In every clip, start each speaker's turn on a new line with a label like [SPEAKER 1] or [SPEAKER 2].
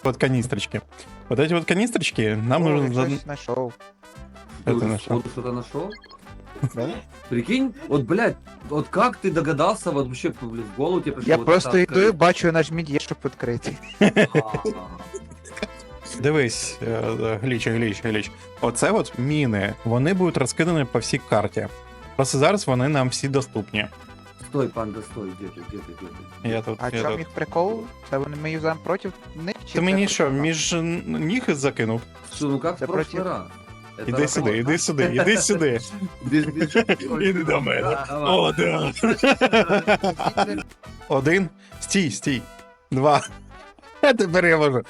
[SPEAKER 1] Вот канистрочки. Вот эти вот канистрочки нам
[SPEAKER 2] О,
[SPEAKER 1] нужно...
[SPEAKER 2] я щось знайшов.
[SPEAKER 1] Это
[SPEAKER 3] Ты
[SPEAKER 1] нашел.
[SPEAKER 3] уже что-то нашел?
[SPEAKER 2] Да?
[SPEAKER 3] Прикинь, вот, блядь, вот как ты догадался, вот вообще, блядь, в голову тебе пришло?
[SPEAKER 2] Я
[SPEAKER 3] вот
[SPEAKER 2] просто
[SPEAKER 3] это
[SPEAKER 2] йду і бачу, нажміть є, щоб відкрити.
[SPEAKER 3] открыть?
[SPEAKER 1] Дивись, гліч. Оце от міни, вони будуть розкидані по всій карті. Просто зараз вони нам всі доступні.
[SPEAKER 3] Стой, панда, стой, где ты?
[SPEAKER 1] Я тут,
[SPEAKER 2] А
[SPEAKER 1] я
[SPEAKER 2] чому
[SPEAKER 1] тут.
[SPEAKER 2] їх прикол? Це вони ми юзаємо проти них? Чи
[SPEAKER 1] Ти мені
[SPEAKER 2] це
[SPEAKER 1] що,
[SPEAKER 2] просто-
[SPEAKER 1] між ніг закинув?
[SPEAKER 3] Что, ну как
[SPEAKER 2] Да
[SPEAKER 3] в прошлый
[SPEAKER 2] против-
[SPEAKER 3] раз? Это
[SPEAKER 1] Іди сюди,
[SPEAKER 3] работа.
[SPEAKER 1] іди сюди, іди сюди. Іди до мене.
[SPEAKER 3] Да, давай.
[SPEAKER 1] О, да. Один. Стій. Два. А тепер я можу.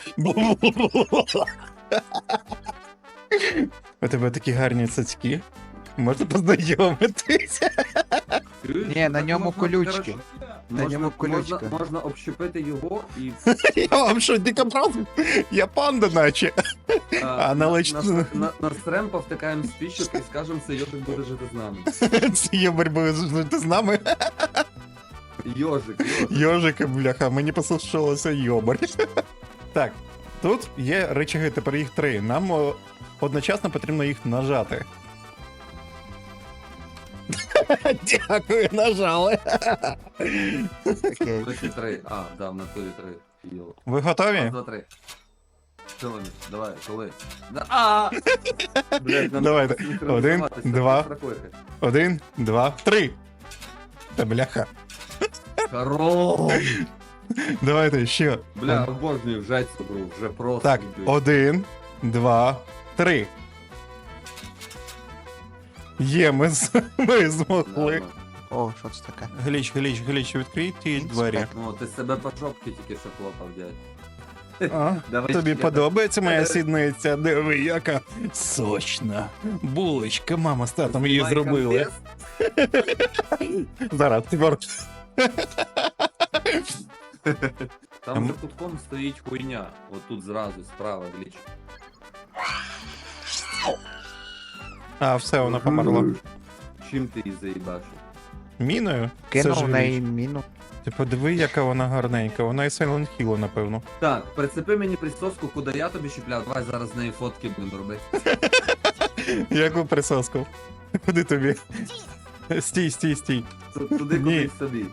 [SPEAKER 1] У тебе такі гарні цацькі. Можна познайомитися.
[SPEAKER 3] Чуєш?
[SPEAKER 2] Ні, на
[SPEAKER 3] Так
[SPEAKER 2] ньому
[SPEAKER 3] можна,
[SPEAKER 2] колючки.
[SPEAKER 3] коротше,
[SPEAKER 2] На ньому колючка.
[SPEAKER 3] Можна общепити його і
[SPEAKER 1] Я вам що, дикобраз? Я панда наче. А
[SPEAKER 3] на стрем повтикаємо спічок і скажемо, це йожик буде жити з нами.
[SPEAKER 1] Це є боротьби жити з нами.
[SPEAKER 3] Йожик.
[SPEAKER 1] Йожика, бляха, мені послушалося йобар. Так, тут є рычаги, тепер їх 3. Нам одночасно потрібно їх нажати. Дякую, нажали.
[SPEAKER 2] Окей.
[SPEAKER 3] Точно 3. А, да, в натурі 3. Йо.
[SPEAKER 1] Ви
[SPEAKER 3] Раз,
[SPEAKER 1] готові?
[SPEAKER 3] два, три. Що вони? Давай, коли? А! Блядь, нам
[SPEAKER 1] Давайте.
[SPEAKER 3] треба синхронізуватися,
[SPEAKER 1] Один, два.
[SPEAKER 3] прокликати.
[SPEAKER 1] 1, 2, 3. Та бляха.
[SPEAKER 3] Хорош!
[SPEAKER 1] Давайте ще.
[SPEAKER 3] Бля, обожнюю вжать цю гру, вже просто.
[SPEAKER 1] Так,
[SPEAKER 3] блядь.
[SPEAKER 1] 1, 2, 3. Є, ми змогли.
[SPEAKER 3] Нормально.
[SPEAKER 2] О, що це таке?
[SPEAKER 1] Гліч, відкрий ті двері.
[SPEAKER 3] Ну, ти себе по жопці тільки що хлопав, дядь.
[SPEAKER 1] А?
[SPEAKER 3] Давай
[SPEAKER 1] Тобі
[SPEAKER 3] ще.
[SPEAKER 1] подобається моя сідниця? Диви, яка сочна. Булочка, мама з татом її
[SPEAKER 3] Знімай
[SPEAKER 1] зробили.
[SPEAKER 3] контест.
[SPEAKER 1] Зараз, тепер.
[SPEAKER 3] Там за кутком стоїть хуйня. От тут зразу, справа, гліч.
[SPEAKER 1] А, все, вона померла.
[SPEAKER 3] Чим ти її заїбашив?
[SPEAKER 1] Міною?
[SPEAKER 2] Кинув
[SPEAKER 1] ж
[SPEAKER 2] в неї
[SPEAKER 1] Гліч.
[SPEAKER 2] міну.
[SPEAKER 1] Ти подиви, яка вона гарненька. Вона і Silent Hill, напевно.
[SPEAKER 3] Так, прицепи мені присоску, куди я тобі щепляв. Давай зараз з неї фотки будемо робити.
[SPEAKER 1] Яку присоску? Куди тобі? Стій.
[SPEAKER 3] Туди
[SPEAKER 1] Ні.
[SPEAKER 3] кудись собі.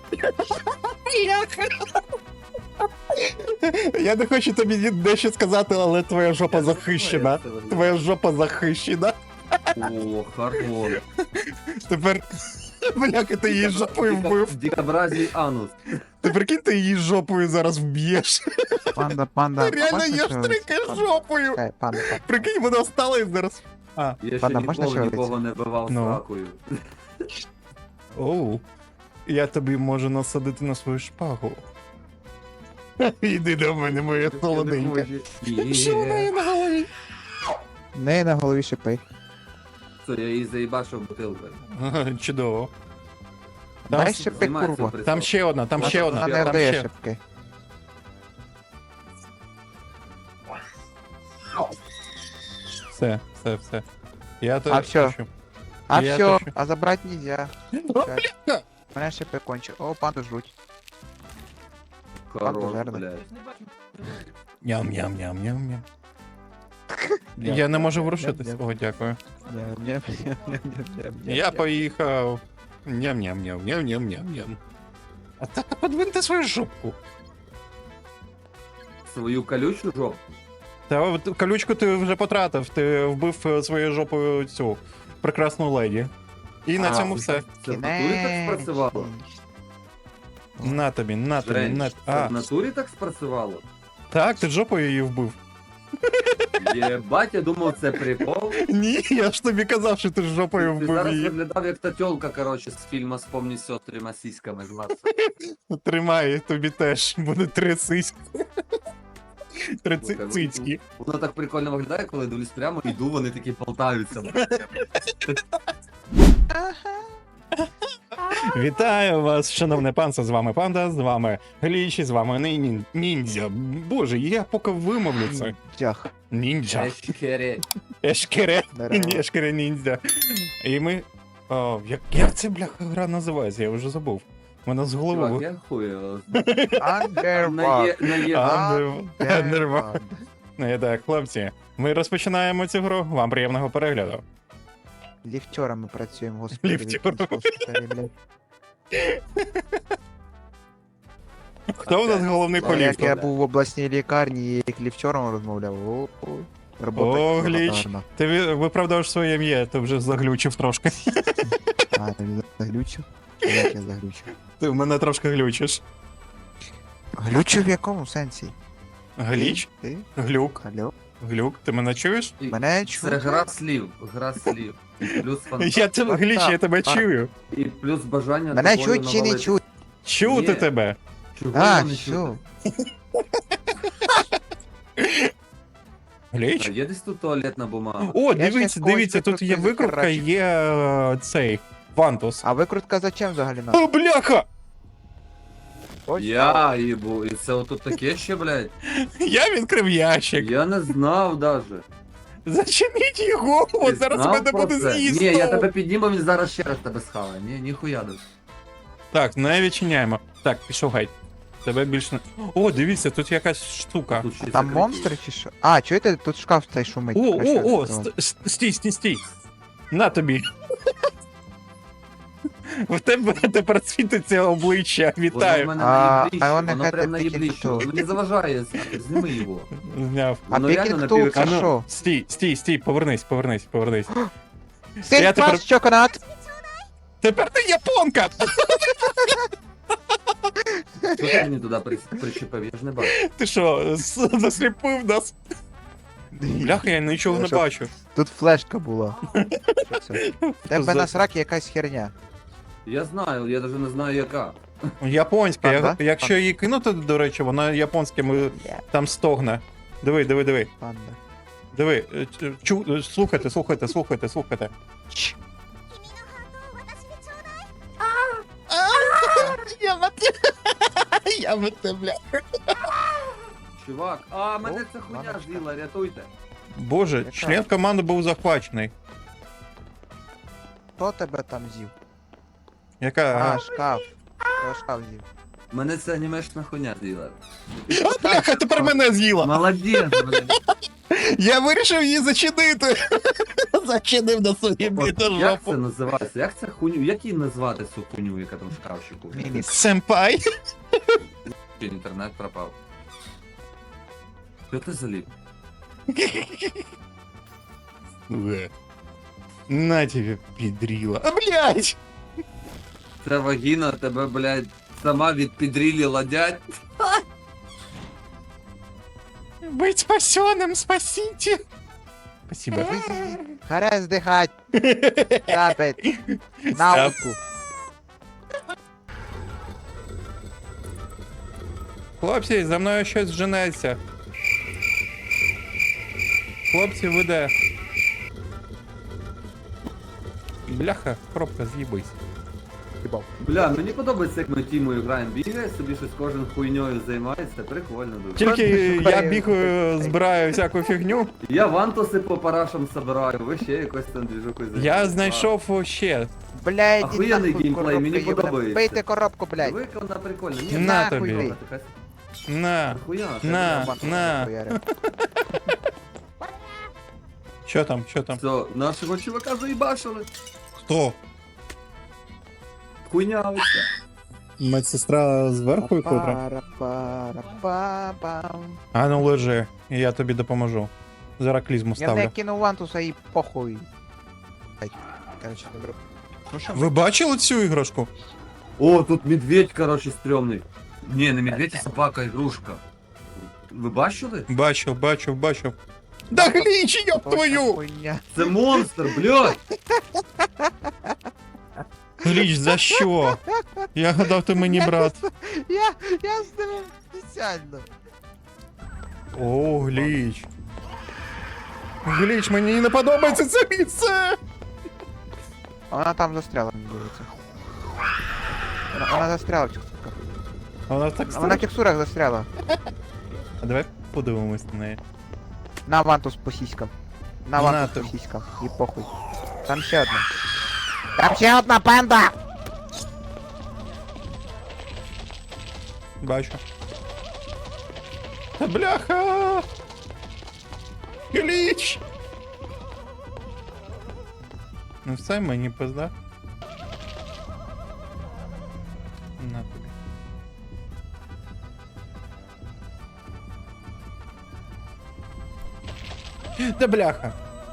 [SPEAKER 1] Я не хочу тобі дещо сказати, але твоя жопа захищена. Твоя жопа захищена.
[SPEAKER 3] О, хорош.
[SPEAKER 1] Тепер. Бляка, ти її жопою вбив.
[SPEAKER 3] Дикобразій анус.
[SPEAKER 1] Ти прикинь, ти її жопою зараз вб'єш.
[SPEAKER 2] Панда.
[SPEAKER 1] Реально
[SPEAKER 2] можна
[SPEAKER 1] я
[SPEAKER 2] шевелитися?
[SPEAKER 1] штрикаю
[SPEAKER 2] Панда.
[SPEAKER 1] жопою.
[SPEAKER 2] Чекай, Панда.
[SPEAKER 1] Прикинь, вона встала і зараз. А,
[SPEAKER 3] Я ще
[SPEAKER 2] Ладно, можна
[SPEAKER 3] ніколи
[SPEAKER 2] шевелитися?
[SPEAKER 3] нікого не бивав
[SPEAKER 1] Ну.
[SPEAKER 3] сракою.
[SPEAKER 1] оу. Я тобі можу насадити на свою шпагу. Іди до мене, моя солоденька. Що в неї на голові?
[SPEAKER 2] В неї на голові шипи.
[SPEAKER 3] Все, я її заїбашив бутилкою.
[SPEAKER 1] Ага, чудово. Там,
[SPEAKER 2] Дай шипи,
[SPEAKER 3] Знімай цю
[SPEAKER 2] курва.
[SPEAKER 3] присоску.
[SPEAKER 1] там ще одна, там ще
[SPEAKER 2] Вона
[SPEAKER 1] одна.
[SPEAKER 2] не
[SPEAKER 1] Там
[SPEAKER 2] дає
[SPEAKER 1] ще.
[SPEAKER 2] шипки.
[SPEAKER 1] Все. Я тебе
[SPEAKER 2] А всьо.
[SPEAKER 1] хочу.
[SPEAKER 2] А
[SPEAKER 1] Я
[SPEAKER 2] все,
[SPEAKER 1] точно.
[SPEAKER 2] а забрати нельзя.
[SPEAKER 1] бляха!
[SPEAKER 2] Мене шипи кончив. О, панду жруть.
[SPEAKER 3] Хорош,
[SPEAKER 2] Жирно.
[SPEAKER 3] блядь.
[SPEAKER 1] Ням-ням-ням-ням-ням. Я не можу ворушитись. О, дякую. Я поїхав. Ням-ням-ням-ням-ням-ням. А так подвиньте свою жопку.
[SPEAKER 3] Свою колючу жопу.
[SPEAKER 1] Та от колючку ти вже потратив, ти вбив своєю жопою цю прекрасну леді. І на
[SPEAKER 2] А,
[SPEAKER 1] цьому все.
[SPEAKER 3] Це в натурі так спрацювало?
[SPEAKER 1] На тобі, на тобі,
[SPEAKER 3] Жень,
[SPEAKER 1] на.
[SPEAKER 3] це
[SPEAKER 1] А,
[SPEAKER 3] в натурі так спрацювало?
[SPEAKER 1] так, ти жопою її вбив.
[SPEAKER 3] Єбать, я думав, це прикол.
[SPEAKER 1] Ні, я ж тобі казав, що ти ж жопою
[SPEAKER 3] Ти
[SPEAKER 1] вбив
[SPEAKER 3] зараз
[SPEAKER 1] її.
[SPEAKER 3] виглядав як та тьолка, коротше, з фільму «Спомні все трьома сіськами» з Марса.
[SPEAKER 1] Тримай, тобі теж буде 3 сиськи. 3
[SPEAKER 3] Слухай,
[SPEAKER 1] цицьки.
[SPEAKER 3] Воно так прикольно виглядає, коли дивлюсь прямо, іду, вони такі болтаються.
[SPEAKER 1] Вітаю вас, шановне панство, з вами Панда, з вами Гліч, з вами Ніндзя. Боже, я поки вимовлю це.
[SPEAKER 2] Дях.
[SPEAKER 1] Ніндзя.
[SPEAKER 3] Ешкере.
[SPEAKER 1] Ешкере.
[SPEAKER 2] Здорово.
[SPEAKER 1] Ешкере ніндзя. І ми... О, як ця бляха гра називається? Я вже забув. Мене з
[SPEAKER 3] Чувак,
[SPEAKER 1] голови.
[SPEAKER 3] я хуй його
[SPEAKER 2] Underwater.
[SPEAKER 1] Нерва. Ну і так, хлопці, ми розпочинаємо цю гру. Вам приємного перегляду.
[SPEAKER 2] Ліфтерами працюємо, господи.
[SPEAKER 1] Ліфтерами.
[SPEAKER 2] Господи, блядь.
[SPEAKER 1] Хто у нас головний по
[SPEAKER 2] Як
[SPEAKER 1] ліфту?
[SPEAKER 2] я був в обласній лікарні і як ліфтером розмовляв. Робота
[SPEAKER 1] О,
[SPEAKER 2] була
[SPEAKER 1] Гліч.
[SPEAKER 2] гарна.
[SPEAKER 1] Ти виправдав своє ім'я, ти вже заглючив трошки.
[SPEAKER 2] А, ти заглючив? Як я заглючив?
[SPEAKER 1] Ти в мене трошки глючиш.
[SPEAKER 2] Глючив в якому сенсі?
[SPEAKER 1] Гліч?
[SPEAKER 2] Ти?
[SPEAKER 1] Глюк?
[SPEAKER 2] Алло?
[SPEAKER 1] Глюк, ти мене чуєш?
[SPEAKER 2] Мене
[SPEAKER 3] Це
[SPEAKER 2] чути?
[SPEAKER 3] гра слів. Гра слів. І плюс
[SPEAKER 1] Я тебе, Гліч, я тебе чую.
[SPEAKER 3] І плюс бажання
[SPEAKER 2] Мене
[SPEAKER 3] тобою
[SPEAKER 2] чуть чи не
[SPEAKER 3] навалити.
[SPEAKER 2] чуть?
[SPEAKER 1] Чути
[SPEAKER 3] Ні.
[SPEAKER 1] тебе.
[SPEAKER 3] Чого
[SPEAKER 2] А,
[SPEAKER 3] його не
[SPEAKER 2] все.
[SPEAKER 3] чути?
[SPEAKER 1] Гліч?
[SPEAKER 3] А є десь тут туалетна бумага?
[SPEAKER 1] О,
[SPEAKER 2] Я
[SPEAKER 1] дивіться,
[SPEAKER 2] щас когось
[SPEAKER 1] дивіться, тут є
[SPEAKER 2] викрутки
[SPEAKER 1] викрутка,
[SPEAKER 2] захерачу.
[SPEAKER 1] є цей Вантус.
[SPEAKER 2] А викрутка зачем взагалі нам?
[SPEAKER 1] О, бляха!
[SPEAKER 2] Ось
[SPEAKER 3] Я їбу, і це отут таке ще, блядь?
[SPEAKER 1] Я відкрив ящик.
[SPEAKER 3] Я не знав даже.
[SPEAKER 1] Зачиніть його,
[SPEAKER 3] Ти
[SPEAKER 1] от зараз
[SPEAKER 3] знав
[SPEAKER 1] мене
[SPEAKER 3] про
[SPEAKER 1] буде
[SPEAKER 3] це?
[SPEAKER 1] з'їсти.
[SPEAKER 3] Ні, я тебе підніму, він зараз ще раз тебе схаває. Ні, ніхуя даже.
[SPEAKER 1] Так, не відчиняємо. Так, пішов гайд. Тебе більше не. О, дивіться, тут якась штука.
[SPEAKER 3] Тут ще
[SPEAKER 2] Там
[SPEAKER 3] закриті.
[SPEAKER 2] монстри чи що? А, чуєте, тут шкаф цей шумить.
[SPEAKER 1] О,
[SPEAKER 2] Краще
[SPEAKER 1] о, о,
[SPEAKER 2] відкривати.
[SPEAKER 1] стій. На тобі. В тебе тепер світиться обличчя.
[SPEAKER 3] Воно в
[SPEAKER 1] Вітаю.
[SPEAKER 3] мене
[SPEAKER 2] А
[SPEAKER 3] наїбліще,
[SPEAKER 2] воно
[SPEAKER 3] воно
[SPEAKER 2] нехай
[SPEAKER 3] прям
[SPEAKER 2] тільки
[SPEAKER 3] наїбліще.
[SPEAKER 2] тут.
[SPEAKER 3] Воно не заважає, зніми його.
[SPEAKER 1] Зняв.
[SPEAKER 2] А
[SPEAKER 3] Воно реально
[SPEAKER 2] Пікінг
[SPEAKER 3] на
[SPEAKER 2] Тул
[SPEAKER 3] пів
[SPEAKER 2] це
[SPEAKER 1] А ну,
[SPEAKER 2] що?
[SPEAKER 1] стій, повернись.
[SPEAKER 2] Син
[SPEAKER 1] Я тепер-
[SPEAKER 2] пас чоконат!
[SPEAKER 1] Тепер ти японка!
[SPEAKER 3] Що ти мені туди причепив? Я ж не бачу.
[SPEAKER 1] Ти що, засліпив нас? Бляха, я нічого не
[SPEAKER 2] Що?
[SPEAKER 1] бачу.
[SPEAKER 2] Тут флешка була. Що це? Тебе
[SPEAKER 1] За-
[SPEAKER 2] на сракі якась херня.
[SPEAKER 3] Я знаю, я навіть не знаю яка.
[SPEAKER 1] Японська.
[SPEAKER 2] Панда?
[SPEAKER 1] Якщо її кинути, до речі, вона японським там стогне. Диви.
[SPEAKER 2] Панда.
[SPEAKER 1] Диви. Слухайте.
[SPEAKER 2] Чш.
[SPEAKER 1] Я мете, бля.
[SPEAKER 3] Чувак, мене ця хуйня
[SPEAKER 2] мамочка.
[SPEAKER 3] з'їла, рятуйте.
[SPEAKER 1] Боже,
[SPEAKER 2] Яка?
[SPEAKER 1] член команди був захвачений.
[SPEAKER 2] Хто тебе там з'їв?
[SPEAKER 1] Яка?
[SPEAKER 2] А, шкаф. Хто шкаф з'їв?
[SPEAKER 3] Мене ця анімешна хуйня з'їла.
[SPEAKER 1] А, бляха, тепер мене з'їла.
[SPEAKER 3] Молодець, блядь.
[SPEAKER 1] Я вирішив її зачинити. Зачинив на собі біту
[SPEAKER 3] Як це
[SPEAKER 1] жопу.
[SPEAKER 3] називається? Як це хуйню? Як її назвати цю хуйню, яка там в шкафчику?
[SPEAKER 2] Міні.
[SPEAKER 1] Семпай.
[SPEAKER 3] Інтернет пропав. Що ти заліп?
[SPEAKER 1] На тебе, підріла. А, блядь!
[SPEAKER 3] Ця вагіна тебе, блядь, сама від підрілі ладять.
[SPEAKER 1] Быть спасенным, спасите! Спасибо.
[SPEAKER 2] Харе здихать. Капець. Науку.
[SPEAKER 1] Хлопці, за мною щось женеться. Хлопці, ви де? Бляха, коробка, з'їбись.
[SPEAKER 3] Бля, мені подобається, як ми тімою граємо. Бігає собі щось кожен хуйньою займається, прикольно дуже.
[SPEAKER 1] Тільки я
[SPEAKER 2] шукає-
[SPEAKER 1] бігаю, збираю всяку фігню.
[SPEAKER 3] Я вантуси по парашам собираю, ви ще якось там двіжуку
[SPEAKER 1] Я знайшов ще.
[SPEAKER 2] Блядь,
[SPEAKER 3] Охуєнний
[SPEAKER 2] нахуй
[SPEAKER 3] геймплей,
[SPEAKER 2] коробка
[SPEAKER 3] мені
[SPEAKER 2] їбана.
[SPEAKER 3] подобається.
[SPEAKER 2] Бийте коробку, блядь.
[SPEAKER 3] Вика вона прикольна. Ні,
[SPEAKER 1] На
[SPEAKER 3] нахуй
[SPEAKER 1] тобі.
[SPEAKER 3] вона така
[SPEAKER 1] На.
[SPEAKER 3] хуя.
[SPEAKER 1] На. Що там?
[SPEAKER 3] Все, нашого чувака заїбашили.
[SPEAKER 1] Хто?
[SPEAKER 3] Хуйня оця.
[SPEAKER 1] Медсестра зверху А ну лежи, я тобі допоможу. Зараз клізму
[SPEAKER 2] Я не
[SPEAKER 1] ставлю.
[SPEAKER 2] кинув вантуса і похуй. Блядь. Короче, добре. Ну що,
[SPEAKER 1] Ви бачили цю іграшку?
[SPEAKER 3] О, тут медведь, короче, стрьомний. Ні, не медведь, а собака, ігрушка. Ви бачили?
[SPEAKER 1] Бачив. Да гліч, ёб
[SPEAKER 2] що
[SPEAKER 1] твою!
[SPEAKER 2] хуйня?
[SPEAKER 3] Це монстр, блядь!
[SPEAKER 1] Гліч, за що? Я гадав, ти мені брат.
[SPEAKER 2] Я з ним спеціально.
[SPEAKER 1] О, гліч. Гліч, мені не подобається це місце!
[SPEAKER 2] А вона там застряла, мені здається. Вона застряла в текстурках.
[SPEAKER 1] А вона так
[SPEAKER 2] Вона в
[SPEAKER 1] стара.
[SPEAKER 2] текстурах застряла.
[SPEAKER 1] А давай подивимось на неї.
[SPEAKER 2] На вантус по сіськам. На
[SPEAKER 1] На
[SPEAKER 2] вантус
[SPEAKER 1] тобі.
[SPEAKER 2] по сіськам. І похуй. Там ще одна. Там ще одна панда!
[SPEAKER 1] Бачу. Та бляха! Гліч! Ну все, мені пизда. На тобі. Та бляха!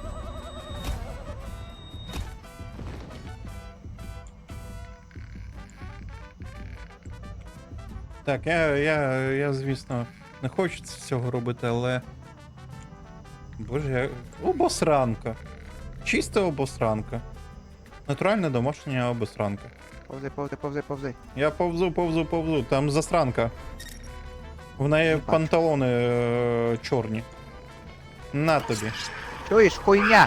[SPEAKER 1] Так, я, звісно, не хочу цього робити, але. Боже, обосранка. Чиста обосранка. Натуральна домашня обосранка.
[SPEAKER 2] Повзи, повзи, повзи, повзи.
[SPEAKER 1] Я повзу. Там засранка. В неї
[SPEAKER 2] бачу.
[SPEAKER 1] панталони чорні. На тобі.
[SPEAKER 2] Чуєш, хуйня?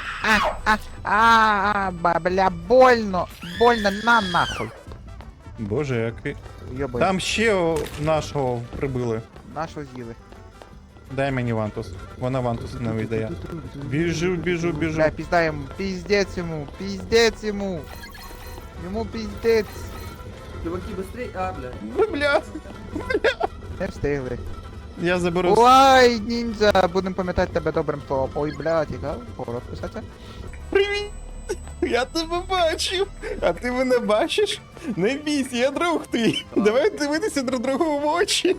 [SPEAKER 2] Бля, больно, больно, на нахуй.
[SPEAKER 1] Боже, який.
[SPEAKER 2] Йобай,
[SPEAKER 1] Там ще нашого прибили.
[SPEAKER 2] нашу з'їли.
[SPEAKER 1] Дай мені вантус. Вона вантус не віддає. Біжу.
[SPEAKER 2] Бля, пізда йому, піздець йому, піздець йому. Йому піздець.
[SPEAKER 3] Чуваки, быстрей! А, бля.
[SPEAKER 1] Бля,
[SPEAKER 2] Не встигли.
[SPEAKER 1] я заберу.
[SPEAKER 2] Ой, ніндзя, будемо пам'ятати тебе добрим словом. Ой, бля, тікав, поворот писати.
[SPEAKER 1] Привіт! Я тебе бачив, а ти мене бачиш? Не бійся, я друг твій. Давай дивитися друг другу в очі.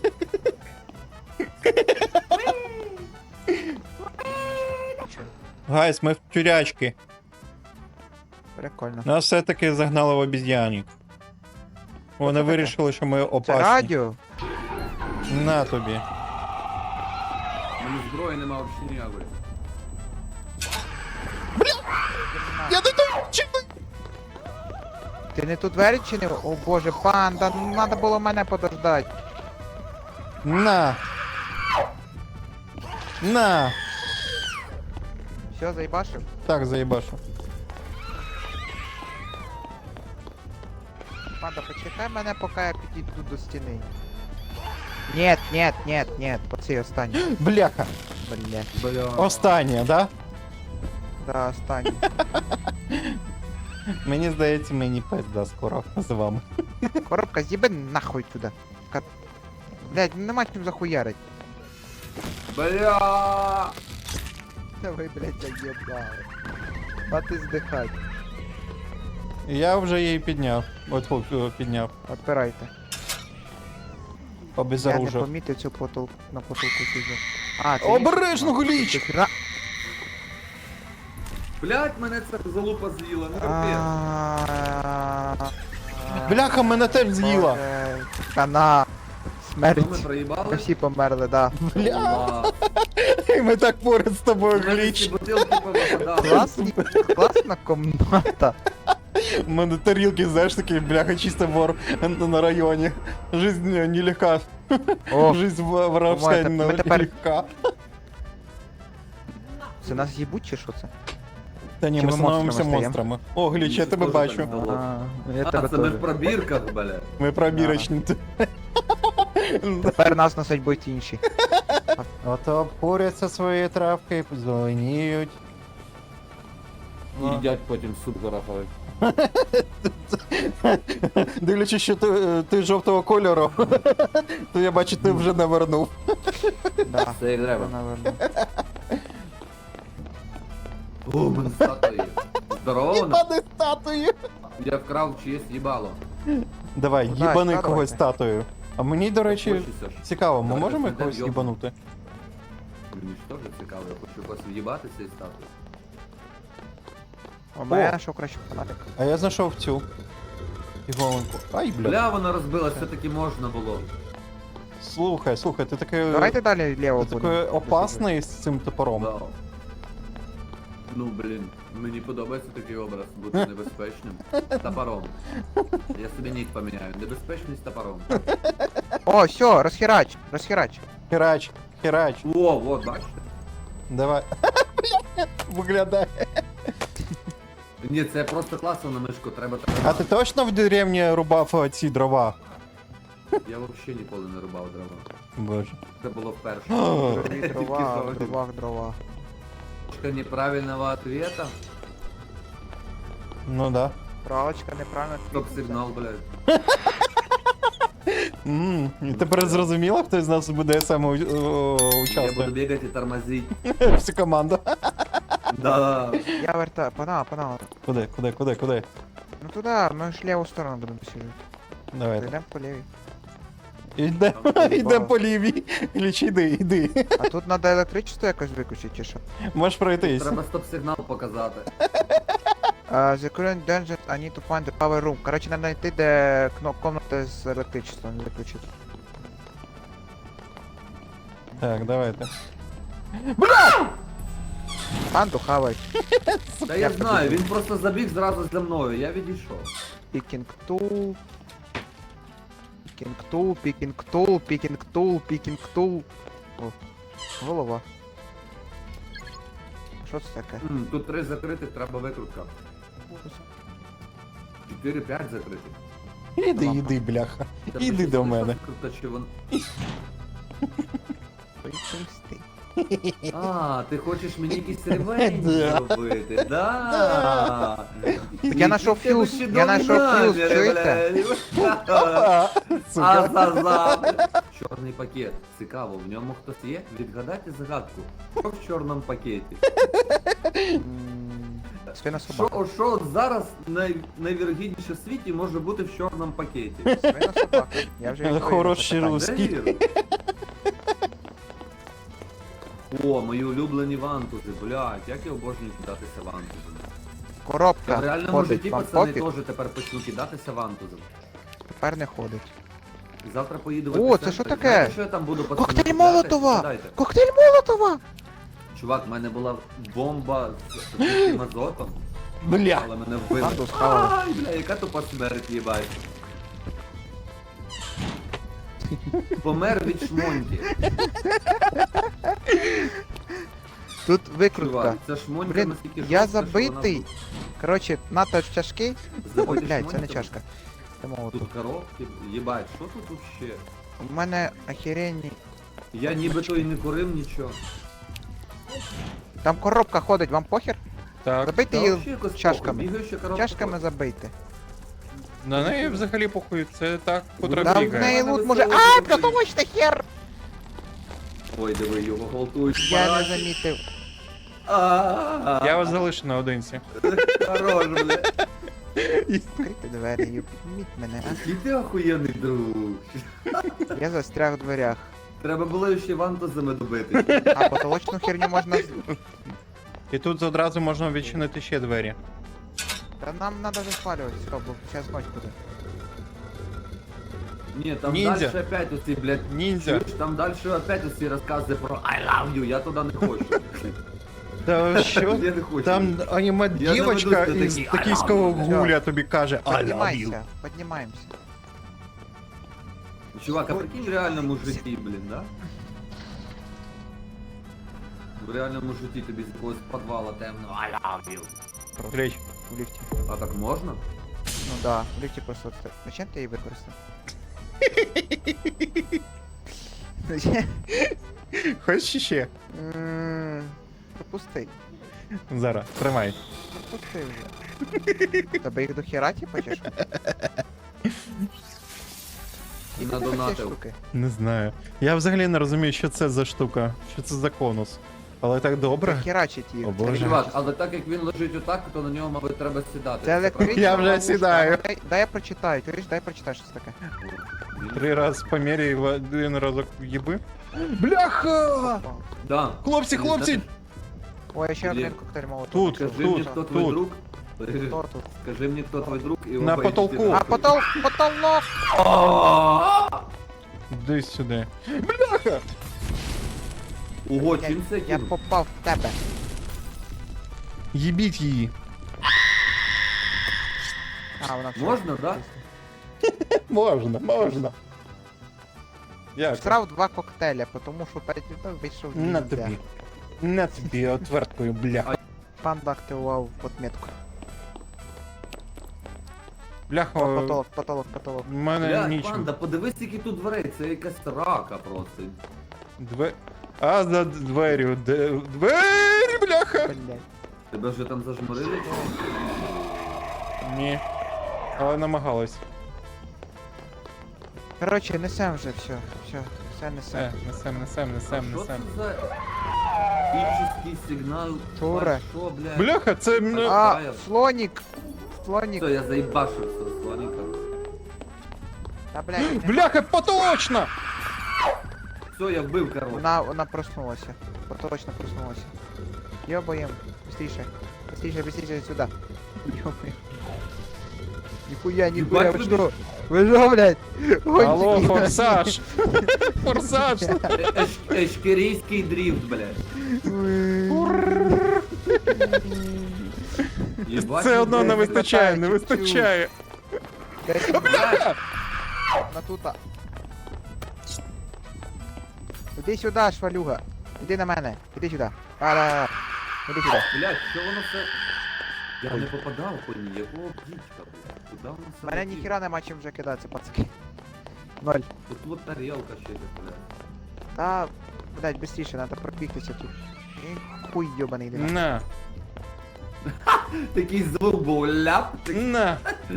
[SPEAKER 1] Гайс, ми в тюрячки.
[SPEAKER 2] Прикольно.
[SPEAKER 1] Нас все-таки загнали в обіз'янник. Вони
[SPEAKER 2] таке?
[SPEAKER 1] вирішили, що ми
[SPEAKER 2] Це
[SPEAKER 1] опасні.
[SPEAKER 2] радіо?
[SPEAKER 1] На тобі.
[SPEAKER 3] У мене зброї нема взагалі ніякої.
[SPEAKER 1] Я не так чим.
[SPEAKER 2] Ти не тут двері чинив? О боже, панда, ну надо було мене подождати.
[SPEAKER 1] На. На.
[SPEAKER 2] Все, заїбашив?
[SPEAKER 1] Так, заїбашу.
[SPEAKER 2] Панда, почекай мене, поки я підійду до стіни. Нет, оцей останній.
[SPEAKER 1] Бляха.
[SPEAKER 2] Бля.
[SPEAKER 3] Бля.
[SPEAKER 1] Останнє, да?
[SPEAKER 2] Да, останній.
[SPEAKER 1] Мені здається, мені пизда скоро з вами.
[SPEAKER 2] Коробка, з'їби нахуй туди. Блять, нема чим захуярить.
[SPEAKER 3] Бля.
[SPEAKER 2] Давай, блять, заєбали. А ти здихать.
[SPEAKER 1] Я вже її підняв. Підняв.
[SPEAKER 2] Отпирайте. Я не
[SPEAKER 1] Обезоружив.
[SPEAKER 2] помітив цю на потолку сижу. А, це
[SPEAKER 1] Обережно,
[SPEAKER 2] ліс?
[SPEAKER 1] Гліч!
[SPEAKER 2] Ти хіра-
[SPEAKER 3] Блять, мене ця залупа з'їла, не капець.
[SPEAKER 2] А,
[SPEAKER 1] Бляха, мене теж з'їла.
[SPEAKER 2] Боже, Хана.
[SPEAKER 3] Що ми
[SPEAKER 2] Смерть.
[SPEAKER 3] проїбали?
[SPEAKER 2] Ми всі померли, да.
[SPEAKER 3] Бля.
[SPEAKER 1] І ми так поряд з тобою,
[SPEAKER 3] Мене ці
[SPEAKER 1] Гліч.
[SPEAKER 3] бутилки повипадали.
[SPEAKER 2] Класна комната.
[SPEAKER 1] У мене тарілки, знаєш, такі, бляха, чисто вор на районі. Жизнь нелегка.
[SPEAKER 2] О,
[SPEAKER 1] Жизнь воровська
[SPEAKER 2] Думаєте, ми тепер-
[SPEAKER 1] нелегка.
[SPEAKER 2] це нас їбуть чи що це?
[SPEAKER 1] Та ні,
[SPEAKER 2] Чи
[SPEAKER 1] ми
[SPEAKER 2] ми
[SPEAKER 1] становимося
[SPEAKER 2] монстрами
[SPEAKER 1] монстрами. О, Гліч, я
[SPEAKER 3] Мені
[SPEAKER 1] тебе
[SPEAKER 3] теж
[SPEAKER 1] бачу.
[SPEAKER 3] так здалося.
[SPEAKER 2] Я
[SPEAKER 3] А,
[SPEAKER 2] тебе
[SPEAKER 3] це ми
[SPEAKER 2] теж.
[SPEAKER 3] в пробірках, бля.
[SPEAKER 1] Ми пробірочні.
[SPEAKER 2] Тепер нас носить будуть інші.
[SPEAKER 1] Ото обкуряться свої травки, зеленіють.
[SPEAKER 3] І їдять потім суп зараховий.
[SPEAKER 1] Дивлячись, що ти жовтого кольору, то я бачу, ти вже навернув.
[SPEAKER 2] Да.
[SPEAKER 3] Це як треба.
[SPEAKER 2] Наверно.
[SPEAKER 3] О, у мене статуї. Здорово, вона?
[SPEAKER 1] Їбани статую.
[SPEAKER 3] Я вкрав чиєсь їбало.
[SPEAKER 1] Давай,
[SPEAKER 2] Ну,
[SPEAKER 1] їбани
[SPEAKER 2] давайте.
[SPEAKER 1] когось статую. А мені, до речі,
[SPEAKER 3] Хочеться ж.
[SPEAKER 1] цікаво, ми
[SPEAKER 3] Давайте
[SPEAKER 1] можемо
[SPEAKER 3] знайдемо
[SPEAKER 1] когось
[SPEAKER 3] йобу.
[SPEAKER 1] їбанути?
[SPEAKER 3] Мені ж теж цікаво, я хочу когось в'їбати з цієї статуї.
[SPEAKER 2] У мене що краще фанатик.
[SPEAKER 1] А я знайшов цю. Іголонку. Ай, бля.
[SPEAKER 3] Бля, вона розбилась, все-таки можна було.
[SPEAKER 1] Слухай, ти такий.
[SPEAKER 2] Давайте далі ліво
[SPEAKER 1] Ти
[SPEAKER 2] будемо.
[SPEAKER 1] такий опасний з цим топором.
[SPEAKER 3] Да. Ну, блін, мені подобається такий образ, бути небезпечним. Топором. Я собі нік поміняю. Небезпечний з топором.
[SPEAKER 2] О, все, розхерач.
[SPEAKER 1] Херач.
[SPEAKER 3] О, от, бачите?
[SPEAKER 1] Давай. Бля, виглядає.
[SPEAKER 3] Ні, це просто класно на мишку, треба
[SPEAKER 1] А
[SPEAKER 3] так.
[SPEAKER 1] ти точно в деревні рубав ці дрова?
[SPEAKER 3] Я взагалі ніколи не рубав дрова.
[SPEAKER 1] Боже.
[SPEAKER 3] Це було вперше.
[SPEAKER 2] Дрова,
[SPEAKER 3] Тільки
[SPEAKER 2] дрова,
[SPEAKER 3] сьогодні.
[SPEAKER 2] дрова.
[SPEAKER 3] Точка неправильного ответа.
[SPEAKER 1] Ну да.
[SPEAKER 2] Правочка неправильно.
[SPEAKER 3] Стоп-сигнал, блядь.
[SPEAKER 1] І тепер зрозуміло, хто з нас буде саме
[SPEAKER 3] Я буду
[SPEAKER 1] участвувати?
[SPEAKER 3] бігати і тормозити.
[SPEAKER 1] Всю команду.
[SPEAKER 3] Да.
[SPEAKER 2] Я вертаю, панал.
[SPEAKER 1] Куди?
[SPEAKER 2] Ну туди, ми ж ліву сторону будемо сіжити.
[SPEAKER 1] Давайте.
[SPEAKER 2] Йдемо по лівій.
[SPEAKER 1] Йдемо по лівій. Іліч, іди.
[SPEAKER 2] А тут треба електричество якось виключити, чи що?
[SPEAKER 1] Можеш пройтись.
[SPEAKER 3] Треба стоп-сигнал показати.
[SPEAKER 2] The current dungeon, I need to find the power room. Коротше, треба знайти, де комната з електричеством виключити.
[SPEAKER 1] Так, давайте.
[SPEAKER 2] Панду хавай.
[SPEAKER 3] Та я знаю, він просто забіг зразу за мною, я відійшов.
[SPEAKER 2] Picking tool. Picking tool, picking tool, picking tool, picking tool. О, голова. Що це таке?
[SPEAKER 3] Тут 3 закритих, треба викрутка. 4-5 закритих.
[SPEAKER 1] Іди, бляха.
[SPEAKER 3] Тебе
[SPEAKER 1] Іди
[SPEAKER 3] щось
[SPEAKER 1] до
[SPEAKER 3] вийшла
[SPEAKER 1] мене.
[SPEAKER 3] викрутка, чи вон-
[SPEAKER 2] Поїсти.
[SPEAKER 3] А, ти хочеш мені якийсь ревень
[SPEAKER 1] Да.
[SPEAKER 3] зробити? Да.
[SPEAKER 2] Так я знайшов фьюз, я знайшов фьюз, чуєте?
[SPEAKER 1] Сука.
[SPEAKER 3] Азазав. Чорний пакет. Цікаво, в ньому хтось є? Відгадайте загадку. Що в чорному пакеті?
[SPEAKER 2] Свина собака.
[SPEAKER 3] Що от зараз найвірогідніше в світі може бути в чорному пакеті?
[SPEAKER 2] Свина собака. Я вже відповів на
[SPEAKER 1] Хороший
[SPEAKER 2] питання.
[SPEAKER 1] рус.
[SPEAKER 3] Де віру? О, мої улюблені вантузи, блядь, як я обожнюю кидатися вантузами. В
[SPEAKER 2] Коробка
[SPEAKER 3] реальному
[SPEAKER 2] ходить,
[SPEAKER 3] житті
[SPEAKER 2] вам
[SPEAKER 3] пацани
[SPEAKER 2] пофіг,
[SPEAKER 3] теж тепер почну кидатися вантузом.
[SPEAKER 2] тепер не ходить.
[SPEAKER 3] Завтра поїду в
[SPEAKER 2] О,
[SPEAKER 3] епіцентр.
[SPEAKER 2] це що таке?
[SPEAKER 3] Знаєте, що я там буду пацани
[SPEAKER 2] Коктейль
[SPEAKER 3] кидати?
[SPEAKER 2] Молотова!
[SPEAKER 3] Згадайте.
[SPEAKER 2] Коктейль Молотова!
[SPEAKER 3] Чувак, в мене була бомба з таким азотом,
[SPEAKER 1] Бля.
[SPEAKER 3] але мене вбили.
[SPEAKER 2] Панду схавали.
[SPEAKER 3] Ай, бля, яка тупа смерть, їбать. Помер від шмоньки.
[SPEAKER 2] Тут викрутка.
[SPEAKER 3] Чувак, це шмонька
[SPEAKER 2] Блін,
[SPEAKER 3] наскільки
[SPEAKER 2] я
[SPEAKER 3] жорстка, що вона
[SPEAKER 2] забитий. Коротше, надто чашки.
[SPEAKER 3] Забитий
[SPEAKER 2] Ой, блядь, це не
[SPEAKER 3] шмоньками.
[SPEAKER 2] чашка. Це молотов.
[SPEAKER 3] Тут коробки, їбать, що тут вообще?
[SPEAKER 2] У мене охеренні.
[SPEAKER 3] Я нібито і не курив нічого.
[SPEAKER 2] Там коробка ходить, вам похер?
[SPEAKER 1] Так.
[SPEAKER 2] Забийте
[SPEAKER 3] Та
[SPEAKER 2] її
[SPEAKER 3] вообще якось
[SPEAKER 2] чашками.
[SPEAKER 3] похуй, бігаюча коробка
[SPEAKER 2] Чашками
[SPEAKER 3] ходить.
[SPEAKER 2] забийте.
[SPEAKER 1] На неї взагалі похуй, це так котра
[SPEAKER 2] Там в
[SPEAKER 1] бігає.
[SPEAKER 2] неї
[SPEAKER 3] Мене
[SPEAKER 2] лут може.
[SPEAKER 3] весело
[SPEAKER 2] А,
[SPEAKER 3] забий.
[SPEAKER 2] потолочний хер!
[SPEAKER 3] Ой, диви, його гвалтують.
[SPEAKER 2] Я не
[SPEAKER 3] параші.
[SPEAKER 2] замітив.
[SPEAKER 1] Я вас залишу наодинці.
[SPEAKER 3] Хорош, бля.
[SPEAKER 2] Відкрийте двері, юбіть мене,
[SPEAKER 3] Який ти охуєнний друг.
[SPEAKER 2] а? Я застряг в дверях.
[SPEAKER 3] Треба було ще вантузами добити.
[SPEAKER 2] А потолочну херню можна.
[SPEAKER 1] І тут одразу можна відчинити ще двері.
[SPEAKER 2] Та нам треба заспалювати, все, бо зараз ночь буде.
[SPEAKER 3] Ні, там
[SPEAKER 1] Ніндзя.
[SPEAKER 3] дальше опять оці, блядь,
[SPEAKER 1] Ніндзя.
[SPEAKER 3] чуєш, там дальше опять оці розкази про I love you, я туди не хочу.
[SPEAKER 1] Та що?
[SPEAKER 3] Я не хочу.
[SPEAKER 1] Там аніме
[SPEAKER 3] Я
[SPEAKER 1] дівочка
[SPEAKER 3] заведу
[SPEAKER 1] із
[SPEAKER 3] такий,
[SPEAKER 1] токійського
[SPEAKER 3] «I love
[SPEAKER 2] you».
[SPEAKER 1] гуля тобі каже I love you.
[SPEAKER 2] Піднімайся, піднімаємося.
[SPEAKER 3] Чувак, а прикинь в реальному житті, блін, да? В реальному житті тобі з якогось підвала темного I love you.
[SPEAKER 1] Річ.
[SPEAKER 2] В ліфті.
[SPEAKER 3] А так можна?
[SPEAKER 2] Ну да, в ліфті просто. Зачем ти її використав? Зачем?
[SPEAKER 1] Хочеш ще?
[SPEAKER 2] Пропусти.
[SPEAKER 1] Зараз, тримай.
[SPEAKER 2] Пропусти вже. Тебе їх до хера типа чи що? І
[SPEAKER 3] На
[SPEAKER 2] ти такі
[SPEAKER 3] донатив.
[SPEAKER 2] штуки.
[SPEAKER 1] Не знаю. Я взагалі не розумію, що це за штука, що це за конус. Але так добре.
[SPEAKER 2] Херачить їх.
[SPEAKER 1] О, Боже.
[SPEAKER 3] Чувак, але так як він лежить отак, то на нього, мабуть, треба сідати.
[SPEAKER 2] Це електрична
[SPEAKER 1] Я вже
[SPEAKER 2] ловушка.
[SPEAKER 1] сідаю.
[SPEAKER 2] Дай я прочитаю, чуєш, дай прочитай, що це таке.
[SPEAKER 1] 3 рази поміряй, в один разок їби. Бляха!
[SPEAKER 3] Да.
[SPEAKER 1] Хлопці, хлопці!
[SPEAKER 2] Ой, я ще
[SPEAKER 3] Блін.
[SPEAKER 2] один коктейль молотов.
[SPEAKER 1] Тут,
[SPEAKER 3] Скажи мені, хто твій
[SPEAKER 1] тут.
[SPEAKER 3] друг?
[SPEAKER 2] Хто тут?
[SPEAKER 3] Скажи мені, хто твій друг, і
[SPEAKER 1] На
[SPEAKER 3] оба
[SPEAKER 1] потолку.
[SPEAKER 3] йдіть
[SPEAKER 2] А,
[SPEAKER 3] нахуй.
[SPEAKER 2] потолок!
[SPEAKER 3] А!
[SPEAKER 1] Десь сюди. Бляха!
[SPEAKER 3] Ого, чим це
[SPEAKER 2] Я
[SPEAKER 3] кинув?
[SPEAKER 2] попав в тебе.
[SPEAKER 1] Їбіть її.
[SPEAKER 2] А, вона все.
[SPEAKER 3] Можна, да?
[SPEAKER 1] Можна. Як?
[SPEAKER 2] Всрав 2 коктейля, тому що перед тим вийшов
[SPEAKER 1] На
[SPEAKER 2] ніндзя.
[SPEAKER 1] тобі. На тобі отверткою, бляха.
[SPEAKER 2] Панда активував подметку.
[SPEAKER 1] Бляха,
[SPEAKER 2] Потолок.
[SPEAKER 1] в мене
[SPEAKER 3] Блядь,
[SPEAKER 1] нічого.
[SPEAKER 3] панда, подивись, які тут дверей, це якась рака просто.
[SPEAKER 1] А за дверю, двері, бляха!
[SPEAKER 2] Блять.
[SPEAKER 3] Тебе вже там зажмурили?
[SPEAKER 1] Ні. Але намагалась.
[SPEAKER 2] Коротше, несем вже, все несем.
[SPEAKER 1] Несем.
[SPEAKER 3] Що це за епічний сигнал?
[SPEAKER 2] Шура.
[SPEAKER 3] Що, блядь?
[SPEAKER 1] Бляха, це...
[SPEAKER 2] А,
[SPEAKER 3] Фаєр.
[SPEAKER 2] слонік! Слонік!
[SPEAKER 3] Все, я заїбашився з слоником.
[SPEAKER 2] Та, блядь,
[SPEAKER 1] Бляха, поточно!
[SPEAKER 3] Все, я вбив, короче.
[SPEAKER 2] вона проснулася. Точно проснулася. Йобаєм. Быстріше. Быстріше сюди. Йобаєм. Ніхуя,
[SPEAKER 3] Ебать,
[SPEAKER 2] ви
[SPEAKER 3] ви
[SPEAKER 2] що? Ви що, блядь?
[SPEAKER 1] Алло,
[SPEAKER 2] Гонщики.
[SPEAKER 1] форсаж! Форсаж!
[SPEAKER 3] Ешкерійський дрифт, блядь. Єбать,
[SPEAKER 1] Це одно не
[SPEAKER 2] блядь,
[SPEAKER 1] вистачає, не
[SPEAKER 2] чуть-чуть.
[SPEAKER 1] вистачає.
[SPEAKER 2] Бляха! На тута. Іди сюди, швалюга. Іди на мене. Іди сюди. Да. Іди сюди.
[SPEAKER 3] Блядь, що воно все... Я не попадав по ній, якого птічка, блядь. Куда воно все
[SPEAKER 2] Мене
[SPEAKER 3] летить?
[SPEAKER 2] ніхіра нема чим вже кидатися, пацаки. 0.
[SPEAKER 3] Тут вот тарелка ще десь, блядь.
[SPEAKER 2] Та, блядь, быстріше, треба пробігтися тут. І хуй йобаний йди.
[SPEAKER 1] На,
[SPEAKER 3] Такий звук був, ляп, такий.
[SPEAKER 1] на.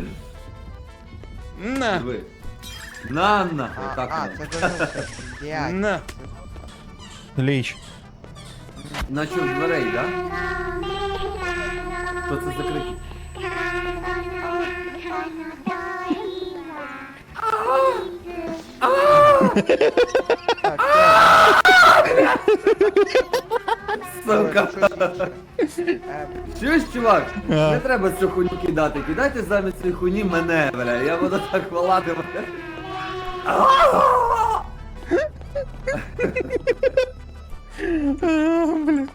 [SPEAKER 1] На,
[SPEAKER 3] Диви. На, отак.
[SPEAKER 2] Це дуже... Блядь.
[SPEAKER 1] на. Ліч.
[SPEAKER 3] Наче в дверей, да? Що це закриті?
[SPEAKER 2] Так,
[SPEAKER 3] Сука.
[SPEAKER 2] все.
[SPEAKER 3] Чуєш, чувак?
[SPEAKER 1] А.
[SPEAKER 3] Не треба цю хуйню кидати. Кидайте замість цієї хуйні мене, бля. Я буду так волати, бля.
[SPEAKER 1] Бля.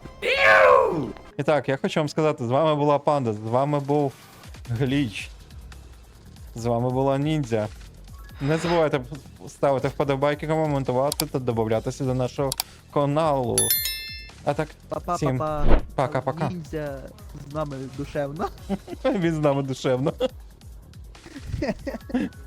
[SPEAKER 1] І так, я хочу вам сказати, з вами була Панда, з вами був Гліч. З вами була Ніндзя. Не забувайте ставити вподобайки, коментувати та додатися до нашого каналу. А так, всім
[SPEAKER 4] Па-па-па-па.
[SPEAKER 1] пока-пока.
[SPEAKER 4] Ніндзя з нами душевно.
[SPEAKER 1] Він з нами душевно.